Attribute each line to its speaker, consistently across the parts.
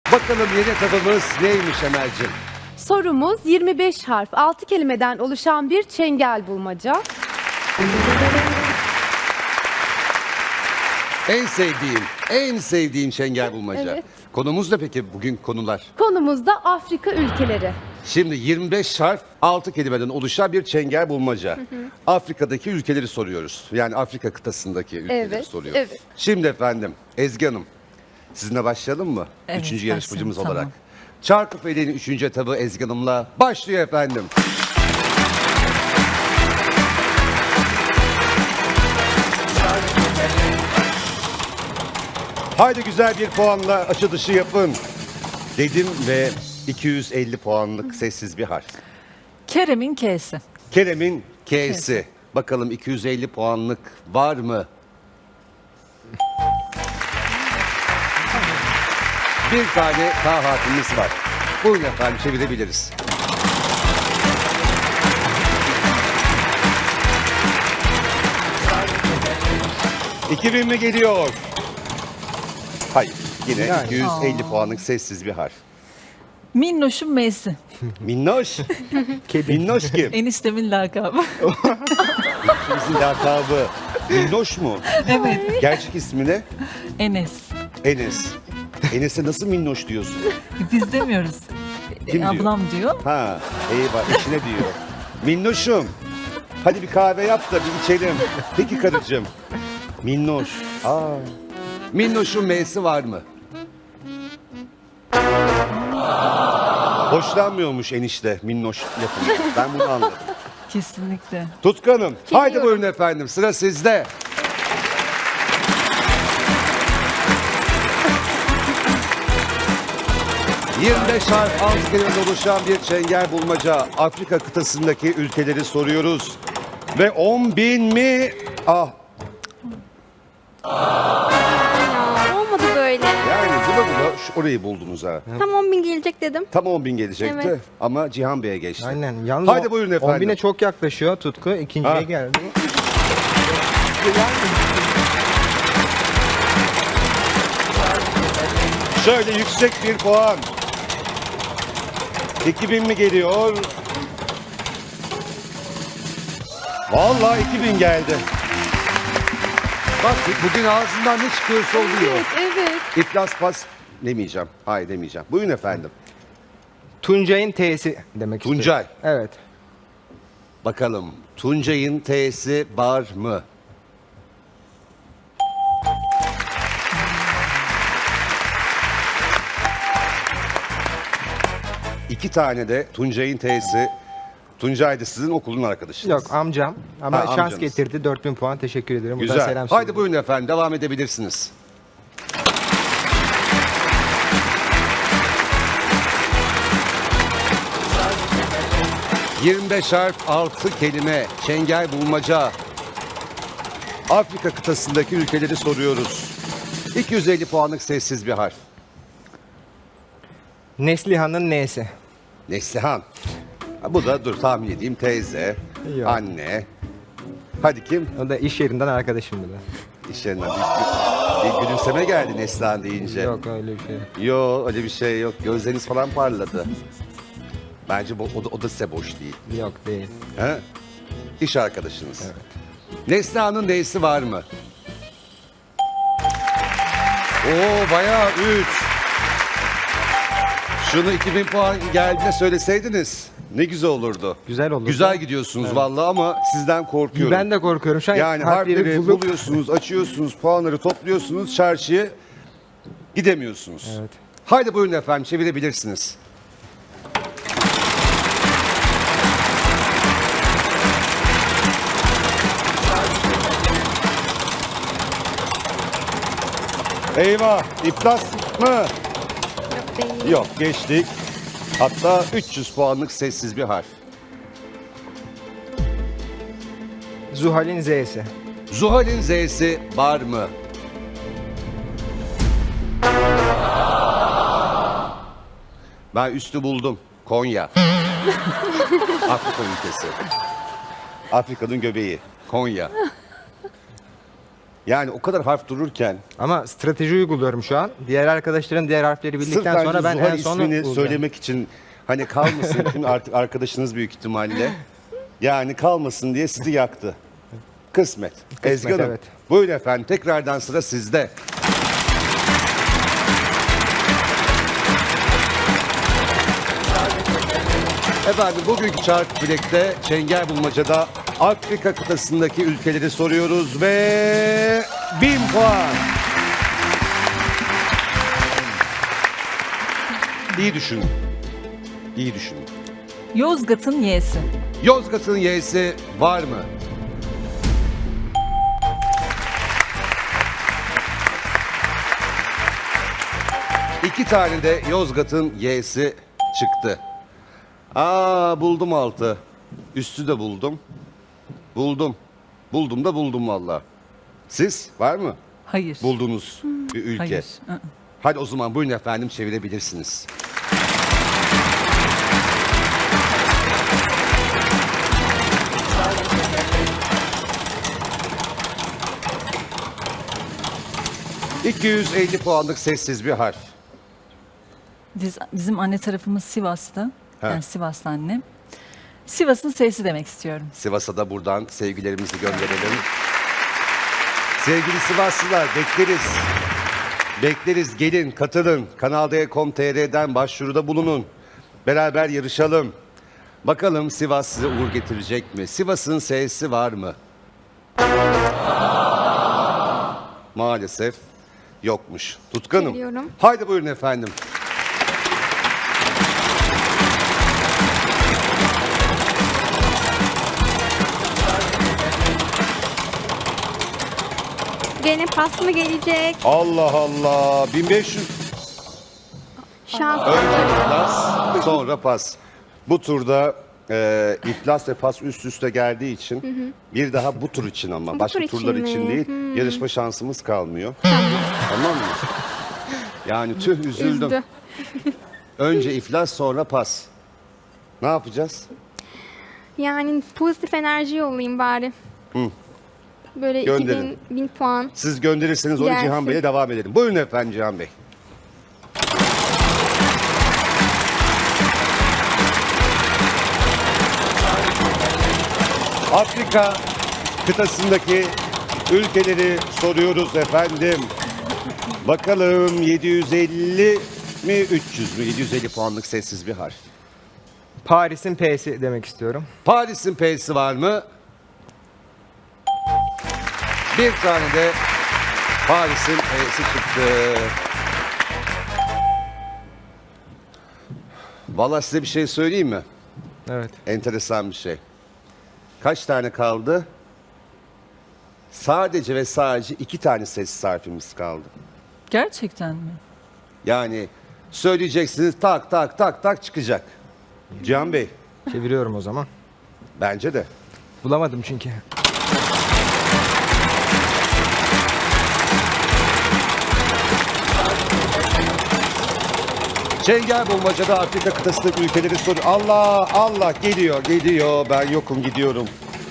Speaker 1: Bakalım yeni etabımız neymiş Emel'cim?
Speaker 2: Sorumuz 25 harf, 6 kelimeden oluşan bir çengel bulmaca.
Speaker 1: En sevdiğim çengel bulmaca.
Speaker 2: Evet.
Speaker 1: Konumuz ne peki bugün konular?
Speaker 2: Konumuz da Afrika ülkeleri.
Speaker 1: Şimdi 25 harf 6 kelimeden oluşan bir çengel bulmaca. Afrika'daki ülkeleri soruyoruz. Yani Afrika kıtasındaki ülkeleri
Speaker 2: Evet,
Speaker 1: soruyoruz.
Speaker 2: evet.
Speaker 1: Şimdi efendim Ezgi Hanım sizinle başlayalım mı?
Speaker 3: Evet,
Speaker 1: Üçüncü
Speaker 3: başlayalım,
Speaker 1: yarışmacımız
Speaker 3: tamam.
Speaker 1: olarak. Çarkıfele'nin 3. etabı Ezgi Hanım'la başlıyor efendim. Haydi güzel bir puanla açılışı yapın dedim ve 250 puanlık sessiz bir harf.
Speaker 3: Kerem'in K'si.
Speaker 1: Kerem'in K'si. Bakalım 250 puanlık var mı? Bir tane K harfimiz var. Buyurun efendim çevirebiliriz. ...2000 mi geliyor? Hayır. Yine 250 puanlık sessiz bir harf.
Speaker 3: Minnoş'un M'si.
Speaker 1: Minnoş. Minnoş kim?
Speaker 3: Eniştemin lakabı.
Speaker 1: Bizim lakabı. Minnoş mu?
Speaker 3: Evet.
Speaker 1: Gerçek ismi ne?
Speaker 3: Enes.
Speaker 1: Enes. Enes'e nasıl minnoş diyorsun?
Speaker 3: Biz demiyoruz.
Speaker 1: Kim diyor?
Speaker 3: Ablam diyor.
Speaker 1: Ha, eyvah eşine diyor. Minnoşum. Hadi bir kahve yap da bir içelim. Peki karıcığım. Minnoş. Aa. Minnoş'un M'si var mı? Hoşlanmıyormuş enişte minnoş yapımı. Ben bunu anladım.
Speaker 3: Kesinlikle.
Speaker 1: Tutkanım. Haydi buyurun efendim. Sıra sizde. ...25 harf 6 kelimeden oluşan bir çengel bulmaca. Afrika kıtasındaki ülkeleri soruyoruz. Ve 10.000 mi? Ah,
Speaker 4: Olmadı böyle.
Speaker 1: yani zıba zıba orayı buldunuz ha.
Speaker 4: Tam 10.000 gelecek dedim.
Speaker 1: Tam 10.000 gelecekti
Speaker 4: Evet.
Speaker 1: ama Cihan Bey'e geçti.
Speaker 5: Aynen. Yalnız
Speaker 1: Haydi buyurun efendim.
Speaker 5: 10.000'e çok yaklaşıyor Tutku. İkinciye
Speaker 1: Ha.
Speaker 5: geldi.
Speaker 1: Şöyle yüksek bir puan. 2000 mi geliyor? Vallahi 2000 geldi. Bak bugün ağzından ne çıkıyorsa oluyor.
Speaker 2: Evet, evet.
Speaker 1: İflas pas demeyeceğim. Hayır demeyeceğim. Buyurun efendim.
Speaker 5: Tuncay'ın T'si demek istiyorum.
Speaker 1: Tuncay.
Speaker 5: Evet.
Speaker 1: Bakalım Tuncay'ın T'si var mı? İki tane de Tuncay'ın T'si. Tuncay da sizin okulun arkadaşınız.
Speaker 5: Yok amcam. Ama
Speaker 1: Ha,
Speaker 5: şans
Speaker 1: amcanız.
Speaker 5: getirdi. 4.000 puan. Teşekkür ederim. Buradan
Speaker 1: Güzel.
Speaker 5: selam
Speaker 1: Haydi
Speaker 5: söylüyorum.
Speaker 1: buyurun efendim devam edebilirsiniz. ...25 harf 6 kelime çengel bulmaca. Afrika kıtasındaki ülkeleri soruyoruz. 250 puanlık sessiz bir harf.
Speaker 5: Neslihan'ın N'si.
Speaker 1: Neslihan. Ha, bu da dur tahmin edeyim teyze,
Speaker 5: Yok.
Speaker 1: anne. Hadi kim?
Speaker 5: O da iş yerinden arkadaşım bir de.
Speaker 1: İş yerinden bir gülümseme geldi Neslihan deyince.
Speaker 5: Yok öyle bir şey.
Speaker 1: Yok öyle bir şey yok. Gözleriniz falan parladı. Bence o da size boş değil.
Speaker 5: Yok değil.
Speaker 1: He? İş arkadaşınız. Evet. Neslihan'ın neysi var mı? Oo bayağı 3. Şunu 2000 puan geldiğinde söyleseydiniz ne güzel olurdu.
Speaker 5: Güzel olurdu.
Speaker 1: Güzel gidiyorsunuz vallahi ama sizden korkuyorum.
Speaker 5: Ben de korkuyorum. Şu an
Speaker 1: Yani harfleri buluyorsunuz, açıyorsunuz, puanları topluyorsunuz, çarşıya gidemiyorsunuz.
Speaker 5: Evet.
Speaker 1: Haydi buyurun efendim çevirebilirsiniz. Eyvah, iflas mı?
Speaker 4: Yok değil.
Speaker 1: Yok, geçtik. Hatta 300 puanlık sessiz bir harf.
Speaker 5: Zuhal'in Z'si.
Speaker 1: Zuhal'in Z'si var mı? Ben üstü buldum. Konya. Afrika ülkesi. Afrika'nın göbeği. Konya. Yani o kadar harf dururken
Speaker 5: Ama strateji uyguluyorum şu an. Diğer arkadaşların diğer harfleri
Speaker 1: sırf
Speaker 5: bildikten
Speaker 1: bence
Speaker 5: sonra ben
Speaker 1: Zuhal
Speaker 5: en sonu
Speaker 1: ismini
Speaker 5: bulacağım.
Speaker 1: söylemek için hani kalmasın şimdi artık arkadaşınız büyük ihtimalle. Yani kalmasın diye sizi yaktı. Kısmet. Ezgi Hanım.
Speaker 5: Evet.
Speaker 1: Buyurun efendim. Tekrardan sıra sizde. Efendim bugünkü Çark Bilek'te Çengel Bulmaca'da Afrika kıtasındaki ülkeleri soruyoruz ve 1000 puan. İyi düşünün. İyi düşünün.
Speaker 3: Yozgat'ın Y'si.
Speaker 1: Yozgat'ın Y'si var mı? İki tane de Yozgat'ın Y'si çıktı. Buldum altı. Üstü de buldum. Buldum. Buldum da buldum valla. Siz var mı
Speaker 3: Hayır.
Speaker 1: bulduğunuz bir ülke?
Speaker 3: Hayır.
Speaker 1: Hadi o zaman buyurun efendim çevirebilirsiniz. ...250 puanlık sessiz bir harf.
Speaker 3: Bizim anne tarafımız Sivas'ta.
Speaker 1: Ha.
Speaker 3: Yani Sivas'ta annem. Sivas'ın S'si demek istiyorum.
Speaker 1: Sivas'a da buradan sevgilerimizi gönderelim. Sevgili Sivaslılar bekleriz. Bekleriz, gelin, katılın. Kanal D.com.tr'den başvuruda bulunun. Beraber yarışalım. Bakalım Sivas size uğur getirecek mi? Sivas'ın S'si var mı? Maalesef yokmuş. Tutkanım.
Speaker 4: Geliyorum.
Speaker 1: Haydi buyurun efendim.
Speaker 4: Gene pas mı gelecek?
Speaker 1: Allah Allah. 1500.
Speaker 4: Şans.
Speaker 1: Önce iflas, sonra pas. Bu turda iflas ve pas üst üste geldiği için bir daha bu tur için ama
Speaker 4: Bu
Speaker 1: başka
Speaker 4: tur için
Speaker 1: turlar
Speaker 4: mi?
Speaker 1: için değil yarışma şansımız kalmıyor. Tamam mı? Yani tüh üzüldüm.
Speaker 4: Üzdü.
Speaker 1: Önce iflas sonra pas. Ne yapacağız?
Speaker 4: Yani pozitif enerji yollayayım bari. Böyle
Speaker 1: Gönderin.
Speaker 4: 2000 puan.
Speaker 1: Siz gönderirseniz onu
Speaker 4: Gelsin.
Speaker 1: Cihan Bey'le devam edelim. Buyurun efendim Cihan Bey. Afrika kıtasındaki ülkeleri soruyoruz efendim. Bakalım 750 mi 300 mü? 750 puanlık sessiz bir harf.
Speaker 5: Paris'in P'si demek istiyorum.
Speaker 1: Paris'in P'si var mı? Bir tane de Paris'in P'si çıktı. Vallahi size bir şey söyleyeyim mi?
Speaker 5: Evet.
Speaker 1: Enteresan bir şey. Kaç tane kaldı? Sadece ve sadece 2 tane sessiz harfimiz kaldı.
Speaker 3: Gerçekten mi?
Speaker 1: Yani söyleyeceksiniz tak tak tak tak çıkacak. Cihan Bey,
Speaker 5: Çeviriyorum o zaman.
Speaker 1: bence de.
Speaker 5: Bulamadım çünkü.
Speaker 1: Çengel Bulmaca'da Afrika kıtasındaki ülkeleri soruyor. Allah Allah geliyor geliyor ben yokum gidiyorum.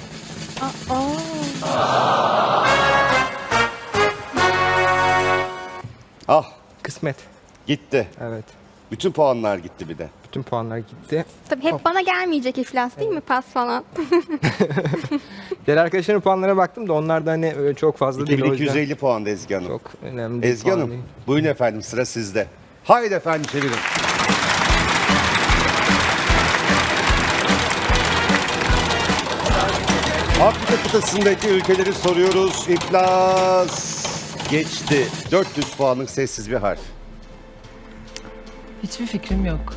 Speaker 1: Ah
Speaker 5: Kısmet.
Speaker 1: gitti.
Speaker 5: Evet.
Speaker 1: Bütün puanlar gitti bir de.
Speaker 5: Bütün puanlar gitti.
Speaker 4: Tabii hep bana gelmeyecek iflas değil mi? Pas falan.
Speaker 5: Diğer arkadaşların puanlara baktım da onlar da hani öyle çok fazla değil. O yüzden
Speaker 1: 2250 puan da Ezgi Hanım.
Speaker 5: çok önemli değil.
Speaker 1: Ezgi
Speaker 5: puan
Speaker 1: Hanım
Speaker 5: değil.
Speaker 1: buyurun efendim sıra sizde. Haydi efendim çevirin. Afrika kıtasındaki ülkeleri soruyoruz. İflas geçti. 400 puanlık sessiz bir harf.
Speaker 3: Hiçbir fikrim yok.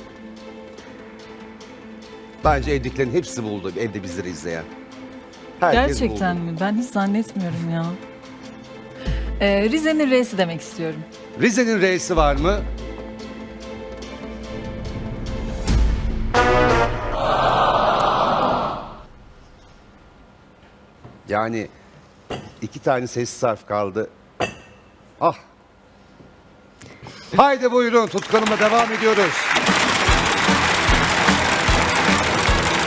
Speaker 1: Bence evdekilerin hepsi buldu. Evde bizleri izleyen. Herkes
Speaker 3: Gerçekten
Speaker 1: buldu.
Speaker 3: mi? Ben hiç zannetmiyorum ya. Rize'nin R'si demek istiyorum.
Speaker 1: Rize'nin R'si var mı? Yani 2 tane sessiz harf kaldı. Ah. Haydi buyurun tutkanıma devam ediyoruz.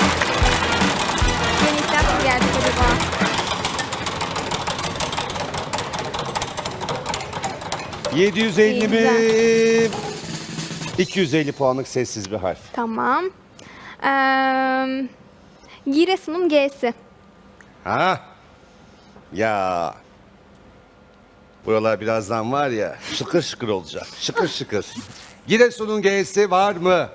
Speaker 4: Yeni iflas mı gelecek acaba?
Speaker 1: 750 mi?
Speaker 4: İyi,
Speaker 1: 250 puanlık sessiz bir harf.
Speaker 4: Tamam. Giresun'un G'si.
Speaker 1: Ha? Ya. Buralar birazdan var ya şıkır şıkır olacak. Şıkır şıkır. Giresun'un G'si var mı?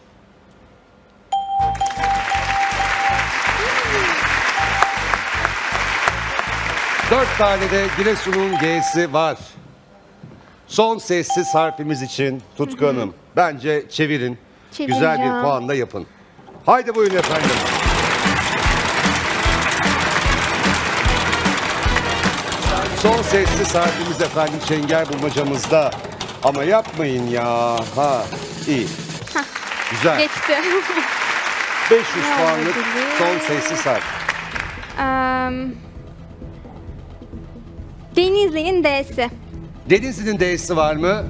Speaker 1: Dört tane de Giresun'un G'si var. Son sessiz harfimiz için Tutku Hanım. Bence çevirin. Güzel bir
Speaker 4: Çevireceğim.
Speaker 1: puan da yapın. Haydi buyurun efendim. Son sessiz harfimiz efendim çengel bulmacamızda. Ama yapmayın ya. Ha, iyi. Güzel.
Speaker 4: Geçti.
Speaker 1: 500
Speaker 4: Ne
Speaker 1: puanlık
Speaker 4: olabilir?
Speaker 1: son sessiz harf.
Speaker 4: Denizli'nin D'si.
Speaker 1: Denizli'nin D'si var mı?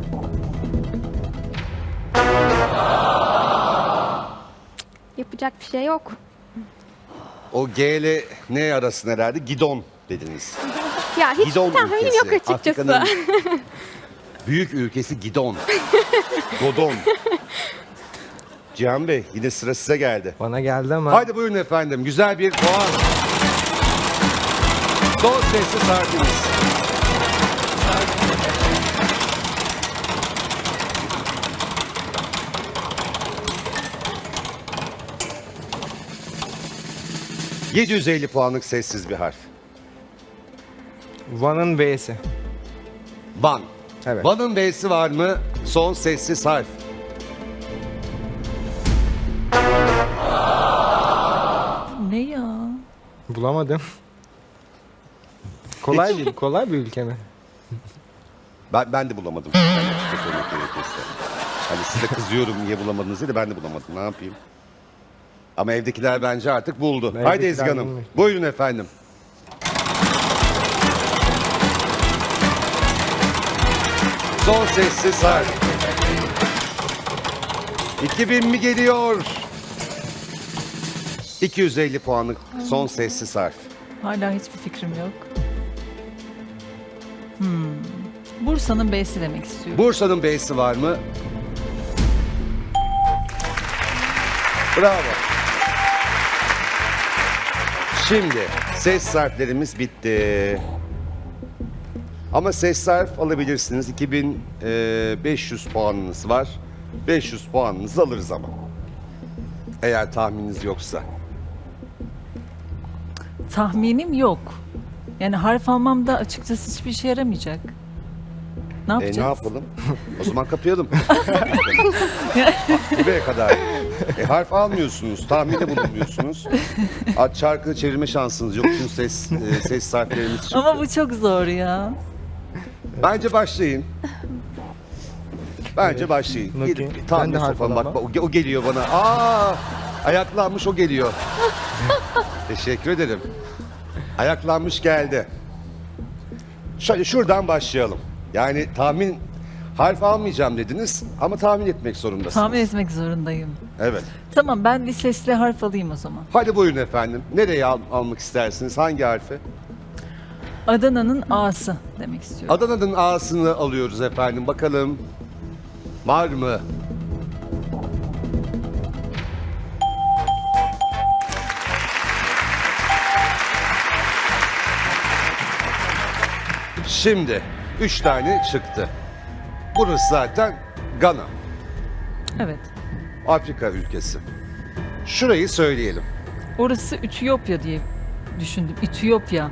Speaker 4: Yapacak bir şey yok.
Speaker 1: O G ile N arasında herhalde gidon dediniz.
Speaker 4: Ya hiç
Speaker 1: Gidon
Speaker 4: tahminim
Speaker 1: ülkesi.
Speaker 4: yok açıkçası.
Speaker 1: Afrika'nın büyük ülkesi Gidon. Godon. Cihan Bey yine sıra size geldi.
Speaker 5: Bana geldi ama
Speaker 1: Haydi buyurun efendim. Güzel bir puan. Son sessiz harfimiz. ...750 puanlık sessiz bir harf.
Speaker 5: Van'ın V'si.
Speaker 1: Van.
Speaker 5: Evet.
Speaker 1: Van'ın B'si var mı? Son sessiz harf.
Speaker 3: Ne ya?
Speaker 5: Bulamadım. Kolay değil, kolay bir ülke mi?
Speaker 1: Ben de bulamadım. Ben açıkça söylemek gerekirse. Hani size kızıyorum niye bulamadınız diye de ben de bulamadım. Ne yapayım? Ama evdekiler bence artık buldu.
Speaker 5: Evdekiler
Speaker 1: Haydi Ezgi Hanım.
Speaker 5: bulmuş.
Speaker 1: Buyurun efendim. Son sessiz harf. 2000 mi geliyor? 250 puanlık son sessiz harf.
Speaker 3: Hala hiçbir fikrim yok. Bursa'nın B'si demek istiyorum.
Speaker 1: Bursa'nın B'si var mı? Bravo. Şimdi ses harflerimiz bitti. Ama ses harf alabilirsiniz. 2500 puanınız var. 500 puanınızı alırız ama. Eğer tahmininiz yoksa.
Speaker 3: Tahminim yok. Yani harf almam da açıkçası hiçbir işe yaramayacak. Ne yapacağız?
Speaker 1: Ne yapalım? O zaman kapayalım. Buraya kadar. Harf almıyorsunuz, tahminde bulunmuyorsunuz. Çarkı çevirme şansınız yok çünkü ses harflerimiz çıktı.
Speaker 3: Ama bu çok zor ya.
Speaker 1: Bence başlayın. Bence başlayın.
Speaker 5: Bakayım.
Speaker 1: Gidip tahmin
Speaker 5: Ben de harf
Speaker 1: sofam bak,
Speaker 5: alamam.
Speaker 1: o geliyor bana. Ayaklanmış o geliyor. Teşekkür ederim. Ayaklanmış geldi. Şöyle şuradan başlayalım. Yani tahmin harf almayacağım dediniz ama tahmin etmek zorundasınız.
Speaker 3: Tahmin etmek zorundayım.
Speaker 1: Evet.
Speaker 3: Tamam, ben bir sesli harf alayım o zaman.
Speaker 1: Hadi buyurun efendim. Nereye almak istersiniz? Hangi harfi?
Speaker 3: Adana'nın A'sı demek istiyorum.
Speaker 1: Adana'nın A'sını alıyoruz efendim. Bakalım var mı? Şimdi 3 tane çıktı. Burası zaten Gana.
Speaker 3: Evet.
Speaker 1: Afrika ülkesi. Şurayı söyleyelim.
Speaker 3: Orası Ütopya diye düşündüm. Ütopya.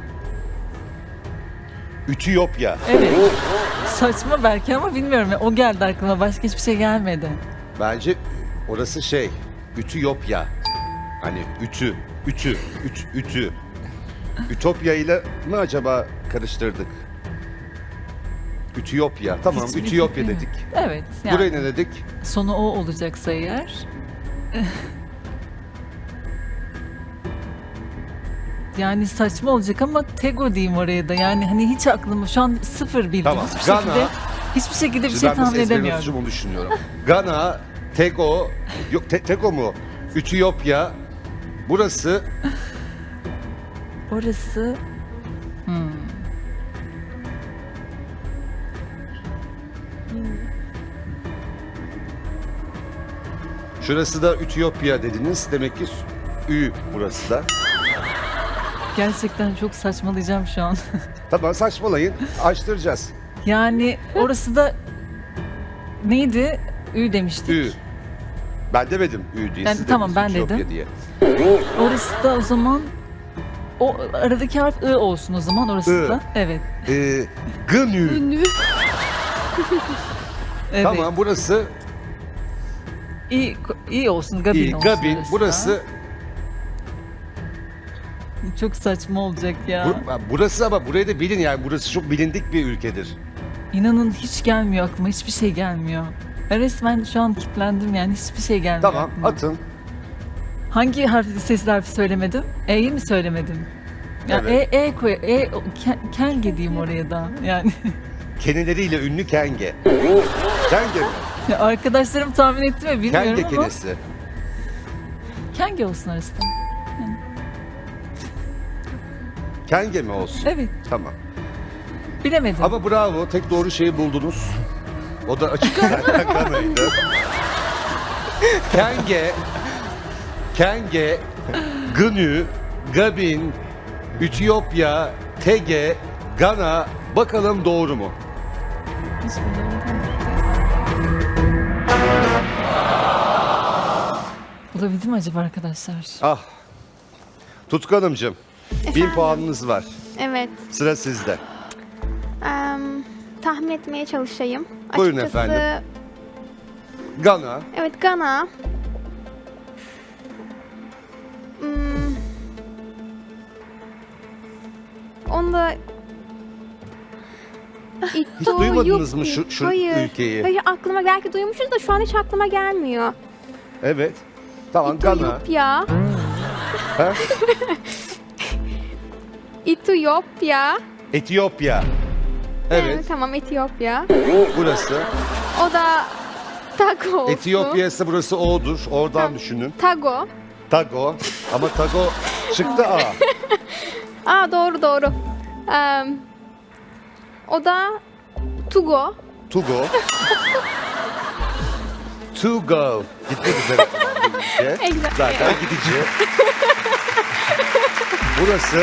Speaker 1: Ütopya.
Speaker 3: Evet. Saçma belki ama bilmiyorum. O geldi aklıma. Başka hiçbir şey gelmedi.
Speaker 1: Bence orası Ütopya. Hani ütü. Ütopya ile mi acaba karıştırdık? Ütopya. Tamam,
Speaker 3: Hiçbir
Speaker 1: Ütopya
Speaker 3: fikrim yok.
Speaker 1: dedik.
Speaker 3: Evet. Yani
Speaker 1: Buraya ne dedik?
Speaker 3: sonu o olacaksa eğer. Yani saçma olacak ama Tego diyeyim oraya da. Yani hani hiç aklıma şu an sıfır bildim.
Speaker 1: Tamam,
Speaker 3: Hiçbir şekilde, hiçbir şekilde bir
Speaker 1: Şimdi
Speaker 3: şey
Speaker 1: ben
Speaker 3: tahmin
Speaker 1: de ezberini
Speaker 3: edemiyorum.
Speaker 1: tutacağım, onu düşünüyorum. Gana, Tego, yok Tego mu? Ütopya. Burası
Speaker 3: Orası
Speaker 1: Şurası da Ütopya dediniz. Demek ki Ü burası da.
Speaker 3: Gerçekten çok saçmalayacağım şu an.
Speaker 1: Tamam saçmalayın. Açtıracağız.
Speaker 3: Yani orası da neydi? Ü demiştik.
Speaker 1: Ü. Ben demedim Ü diye.
Speaker 3: Yani
Speaker 1: siz
Speaker 3: tamam,
Speaker 1: dediniz
Speaker 3: ben
Speaker 1: Ütopya
Speaker 3: dedim.
Speaker 1: diye.
Speaker 3: Orası da o zaman o aradaki harf I olsun o zaman orası
Speaker 1: I.
Speaker 3: da. Evet.
Speaker 1: Gınü.
Speaker 2: Ünlü.
Speaker 3: Evet.
Speaker 1: Tamam burası
Speaker 3: İyi olsun. Gabin
Speaker 1: İ.
Speaker 3: olsun.
Speaker 1: Gabin.
Speaker 3: orası da.
Speaker 1: Burası
Speaker 3: Çok saçma olacak ya.
Speaker 1: burası ama burayı da bilin yani. Burası çok bilindik bir ülkedir.
Speaker 3: İnanın hiç gelmiyor aklıma. Hiçbir şey gelmiyor. Ben resmen şu an kilitlendim yani. Hiçbir şey gelmiyor
Speaker 1: Tamam
Speaker 3: aklıma.
Speaker 1: atın.
Speaker 3: Hangi sesli harfi söylemedim? E'yi mi söylemedim? Ya
Speaker 1: Evet.
Speaker 3: koy. Kenge diyeyim oraya da. Yani
Speaker 1: Kenileriyle ünlü kenge. Kenge mi?
Speaker 3: ya arkadaşlarım tahmin etti mi bilmiyorum
Speaker 1: Kenge
Speaker 3: ama.
Speaker 1: kenesi.
Speaker 3: Kenge olsun arası da.
Speaker 1: Kenge mi olsun?
Speaker 3: Evet.
Speaker 1: Tamam.
Speaker 3: Bilemedim.
Speaker 1: Ama bravo. Tek doğru şeyi buldunuz. O da açık zaten kanaydı. Kenge, Gönü, Gabin, Ütopya, Tege, Gana. Bakalım doğru mu?
Speaker 3: Hiç bilemedim. Bulabildim mi acaba arkadaşlar?
Speaker 1: Ah. Tutku Hanımcığım. 1000 puanınız var.
Speaker 4: Evet.
Speaker 1: Sıra sizde.
Speaker 4: Tahmin etmeye çalışayım.
Speaker 1: Buyurun
Speaker 4: Açıkçası,
Speaker 1: efendim. Gana.
Speaker 4: Evet, Gana. Hmm. Onda
Speaker 1: Hiç duymadınız mı şu
Speaker 4: Hayır.
Speaker 1: ülkeyi?
Speaker 4: Hayır, aklıma belki duymuşuz da şu an hiç aklıma gelmiyor.
Speaker 1: Evet. Tamam Gana.
Speaker 4: Etiyopya.
Speaker 1: Ha?
Speaker 4: Etiyopya.
Speaker 1: Etiyopya. Evet.
Speaker 4: Tamam, Etiyopya.
Speaker 1: Burası.
Speaker 4: O da Tago olsun.
Speaker 1: Etiyopya ise burası O'dur. Oradan düşünün.
Speaker 4: Tago.
Speaker 1: Tago. Ama Tago çıktı A.
Speaker 4: Doğru. O da Tugo.
Speaker 1: Tugo. To go. Gitmek üzere.
Speaker 4: Exactly.
Speaker 1: Zaten gidici. Burası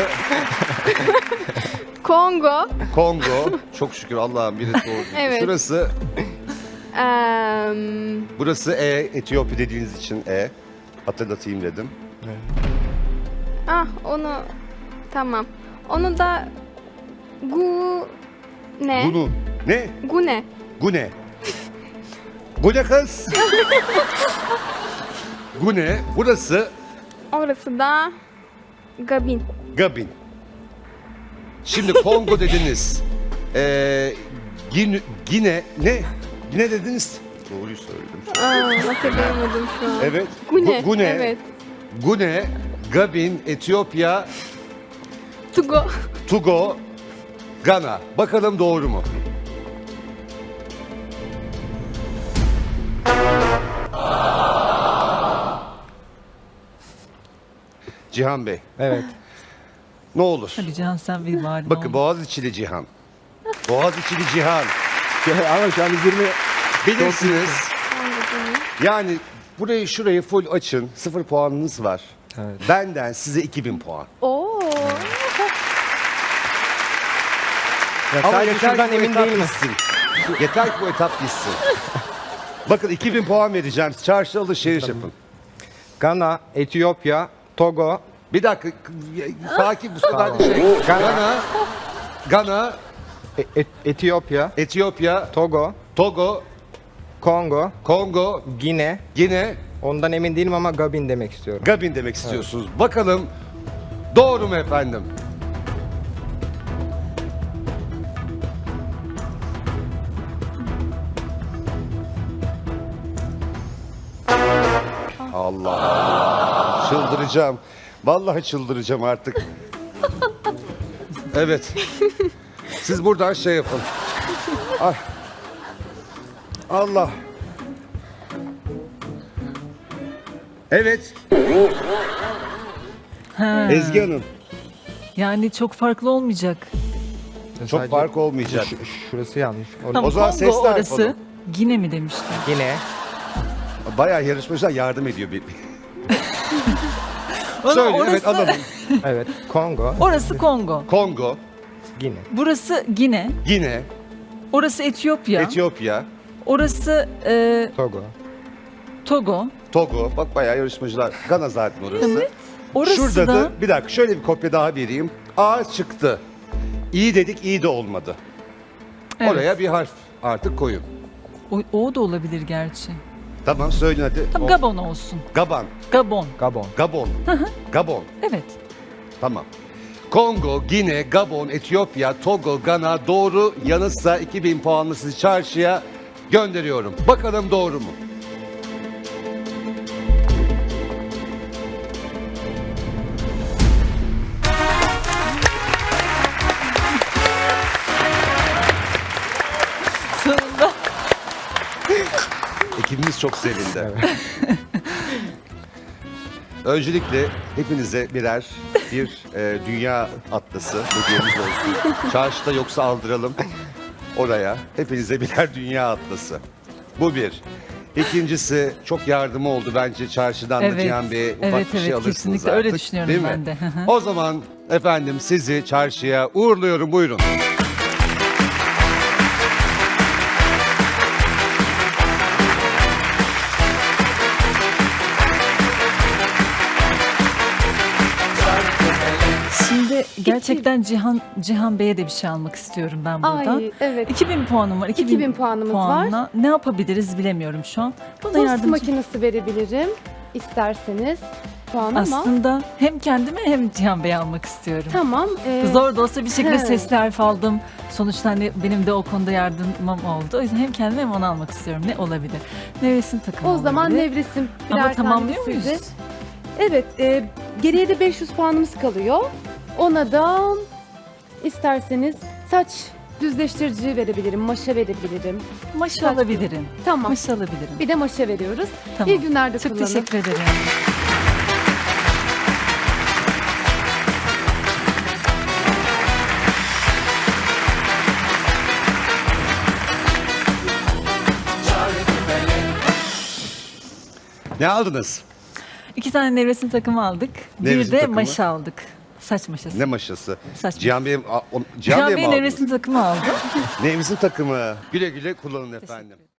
Speaker 4: Kongo.
Speaker 1: Kongo. Çok şükür Allah'ım biri doğru.
Speaker 4: Evet.
Speaker 1: Şurası,
Speaker 4: Burası
Speaker 1: Etiyopya dediğiniz için hatırlatayım dedim.
Speaker 4: onu tamam. Onu da ne?
Speaker 1: Bunu. Ne?
Speaker 4: Gune.
Speaker 1: Gune. Gune kız. Gune. Burası
Speaker 4: Orası da Gabin.
Speaker 1: Gabin. Şimdi Kongo dediniz. Gine ne? Gine dediniz. Doğruyu söyledim.
Speaker 4: Hatırlayamadım şu an.
Speaker 1: Evet.
Speaker 4: Gune.
Speaker 1: Gune.
Speaker 4: Evet.
Speaker 1: Gune, Gabin, Etiyopya,
Speaker 4: Tugo.
Speaker 1: Togo, Gana. Bakalım doğru mu? Cihan Bey,
Speaker 5: Evet.
Speaker 1: ne olur?
Speaker 3: Hadi Cihan sen bir bari.
Speaker 1: Bakın Boğaziçi'li Cihan. Boğaziçi'li Cihan.
Speaker 5: Ama şu an biz 20
Speaker 1: Bilirsiniz. Yani burayı şurayı full açın. 0 puanınız var.
Speaker 5: Evet.
Speaker 1: Benden size 2000 puan.
Speaker 2: Oo.
Speaker 5: Ya
Speaker 1: Ama
Speaker 5: sadece
Speaker 1: yeter
Speaker 5: şuradan
Speaker 1: ki bu
Speaker 5: emin
Speaker 1: etap
Speaker 5: değilim.
Speaker 1: bitsin. Yeter ki bu etap bitsin. Bakın 2000 puan vereceğim. Çarşı alışveriş yapın.
Speaker 5: Gana, Etiyopya, Togo,
Speaker 1: Bir dakika. Sakin bu sefer
Speaker 5: Tamam.
Speaker 1: de şey.
Speaker 5: Gana.
Speaker 1: Gana,
Speaker 5: Etiyopya,
Speaker 1: Etiyopya,
Speaker 5: Togo,
Speaker 1: Togo,
Speaker 5: Kongo,
Speaker 1: Kongo,
Speaker 5: Gine.
Speaker 1: Gine,
Speaker 5: Ondan emin değilim ama Gabin demek istiyorum.
Speaker 1: Gabin demek istiyorsunuz. Bakalım doğru mu efendim? Allah. Çıldıracağım. Vallahi çıldıracağım artık. Evet. Siz buradan şey yapın. Ay. Allah. Evet.
Speaker 3: Ha,
Speaker 1: Ezgi Hanım.
Speaker 3: yani çok farklı olmayacak.
Speaker 1: Çok
Speaker 5: Sadece
Speaker 1: fark olmayacak.
Speaker 5: Şurası yanlış.
Speaker 3: Tamam,
Speaker 1: O zaman
Speaker 3: Kongo
Speaker 1: sesler
Speaker 3: orası.
Speaker 1: yapalım.
Speaker 3: Gine mi demiştim?
Speaker 5: Gine,
Speaker 1: Bayağı yarışmacılar yardım ediyor bir.
Speaker 3: Valla
Speaker 1: Söyle
Speaker 3: orası,
Speaker 1: evet alalım.
Speaker 5: Evet. Kongo,
Speaker 3: Orası Kongo.
Speaker 1: Kongo,
Speaker 5: Gine.
Speaker 3: Burası Gine.
Speaker 1: Gine,
Speaker 3: Orası Etiyopya.
Speaker 1: Etiyopya,
Speaker 3: Orası
Speaker 5: Togo.
Speaker 3: Togo.
Speaker 1: Togo. Bak bayağı yarışmacılar. Gana zaten orası.
Speaker 3: Orası
Speaker 1: Şurada
Speaker 3: da
Speaker 1: da bir dakika şöyle bir kopya daha vereyim. A çıktı. İyi dedik iyi de olmadı.
Speaker 3: Evet.
Speaker 1: Oraya bir harf artık koyun.
Speaker 3: o da olabilir gerçi.
Speaker 1: Tamam söyleyin hadi.
Speaker 3: Tam
Speaker 1: O-
Speaker 3: Gabon olsun.
Speaker 1: Gaban.
Speaker 3: Gabon.
Speaker 5: Gabon.
Speaker 1: Gabon. Gabon.
Speaker 3: Evet.
Speaker 1: Tamam. Kongo, Gine, Gabon, Etiyopya, Togo, Gana doğru yanıtsa 2000 puanlı sizi çarşıya gönderiyorum. Bakalım doğru mu?
Speaker 3: Sonunda.
Speaker 1: Ekibimiz çok sevindi. Öncelikle hepinize bir dünya atlası hediyemiz olsun. Çarşıda yoksa aldıralım oraya. Hepinize birer dünya atlası. Bu bir. İkincisi çok yardımı oldu bence çarşıdan da
Speaker 3: Evet,
Speaker 1: Cihan Bey'e ufak
Speaker 3: evet,
Speaker 1: bir şey
Speaker 3: evet,
Speaker 1: alırsınız
Speaker 3: kesinlikle
Speaker 1: artık.
Speaker 3: öyle düşünüyorum
Speaker 1: değil mi?
Speaker 3: ben de. Hı hı.
Speaker 1: O zaman efendim sizi çarşıya uğurluyorum buyurun.
Speaker 3: Şimdi gerçekten Cihan Bey'e de bir şey almak istiyorum ben buradan.
Speaker 2: Ay evet.
Speaker 3: 2000 puanım var.
Speaker 2: 2000 puanımız
Speaker 3: puanla ne yapabiliriz bilemiyorum şu an. Bana
Speaker 2: Tost
Speaker 3: yardımcı.
Speaker 2: makinesi verebilirim isterseniz. Puan ama.
Speaker 3: Aslında hem kendime hem Cihan Bey'e almak istiyorum.
Speaker 2: Tamam.
Speaker 3: Zor da olsa bir şekilde
Speaker 2: he.
Speaker 3: sesli harf aldım. Sonuçta hani benim de o konuda yardımım oldu. O yüzden hem kendime hem onu almak istiyorum. Ne olabilir? Nevresim takımı
Speaker 2: O zaman
Speaker 3: olabilir.
Speaker 2: nevresim birer
Speaker 3: Ama
Speaker 2: tane
Speaker 3: tamamlıyor
Speaker 2: size.
Speaker 3: muyuz?
Speaker 2: Evet. Geriye de 500 puanımız kalıyor. Ona da isterseniz saç düzleştirici verebilirim, maşa verebilirim.
Speaker 3: Maşa
Speaker 2: Kaç
Speaker 3: alabilirim.
Speaker 2: Tamam.
Speaker 3: Maşa alabilirim.
Speaker 2: Bir de maşa veriyoruz.
Speaker 3: Tamam.
Speaker 2: İyi günlerde
Speaker 3: Çok
Speaker 2: kullanın.
Speaker 3: teşekkür ederim.
Speaker 1: Ne aldınız?
Speaker 3: 2 tane nevresim takımı aldık.
Speaker 1: Nevresim
Speaker 3: bir de
Speaker 1: takımı?
Speaker 3: maşa aldık. Saç maşası.
Speaker 1: Ne maşası?
Speaker 3: Saç
Speaker 1: Cihan Bey'e
Speaker 3: Cihan
Speaker 1: mi
Speaker 3: Bey
Speaker 1: aldınız?
Speaker 3: nevresim takımı aldı.
Speaker 1: Nevresim takımı. Güle güle kullanın efendim.